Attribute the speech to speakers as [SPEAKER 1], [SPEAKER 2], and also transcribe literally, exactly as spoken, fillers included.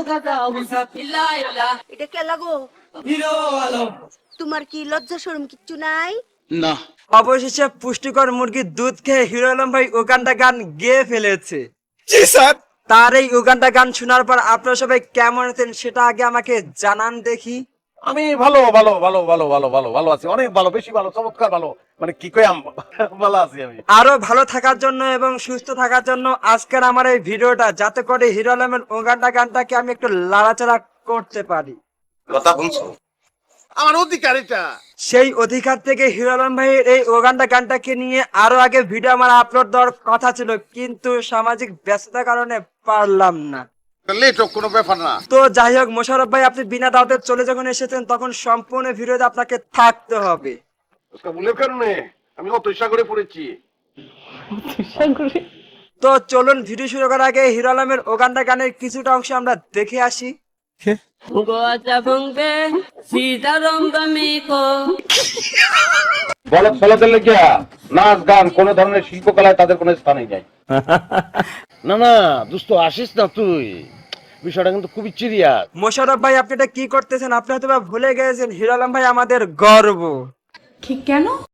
[SPEAKER 1] এটা কে লাগো? তোমার কি লজ্জা শরম কিচ্ছু নাই?
[SPEAKER 2] না।
[SPEAKER 3] অবশেষে পুষ্টিকর মুরগির দুধ খেয়ে হিরো আলম ভাই উগান্ডা গান গেয়ে ফেলেছে।
[SPEAKER 2] জি স্যার।
[SPEAKER 3] তার এই উগান্ডা গান শোনার পর আপনারা সবাই কেমন আছেন সেটা আগে আমাকে জানান দেখি।
[SPEAKER 4] আমি ভালো ভালো ভালো ভালো ভালো ভালো ভালো আছি, অনেক ভালো, বেশি ভালো, চমৎকার ভালো, মানে কি কই আম ভালো আছি আমি।
[SPEAKER 3] আরো ভালো থাকার জন্য এবং সুস্থ থাকার জন্য আজকের আমার এই ভিডিওটা, যাতে করে হিরো আলমের উগান্ডা গানটাকে আমি একটু লাড়াচাড়া করতে পারি।
[SPEAKER 2] কথা বলছো?
[SPEAKER 4] আমার অধিকার এটা।
[SPEAKER 3] সেই অধিকার থেকে হিরো আলম ভাইয়ের এই উগান্ডা গানটাকে নিয়ে আরো আগে ভিডিও আমার আপলোড দেওয়ার কথা ছিল, কিন্তু সামাজিক ব্যস্ততার কারণে পারলাম না।
[SPEAKER 4] লেট হোক, কোনো ব্যাপার না।
[SPEAKER 3] তো যাই হোক, মোশাররফ ভাই আপনি বিনা দাওয়াতে চলে যখন এসেছেন তখন সম্পূর্ণ ভিডিওতে আপনাকে থাকতে হবে।
[SPEAKER 4] ভুলের কারণে আমি অত সাগরে পড়েছি।
[SPEAKER 3] তো চলুন ভিডিও শুরু করার আগে হিরো আলমের উগান্ডা গানের কিছুটা অংশ আমরা দেখে আসি।
[SPEAKER 4] বলদ ফলদের লেগিয়া নাচ গান কোন ধরনের শিল্পকলায় তাদের কোনো স্থানই নাই। না না দোস্ত, আসিস না তুই, বিষয়টা কিন্তু খুবই সিরিয়াস।
[SPEAKER 3] মোশাররফ ভাই আপনি এটা কি করতেছেন? আপনি হয়তো বা ভুলে গেছেন হিরো আলম ভাই আমাদের গর্ব।
[SPEAKER 5] কি কেন?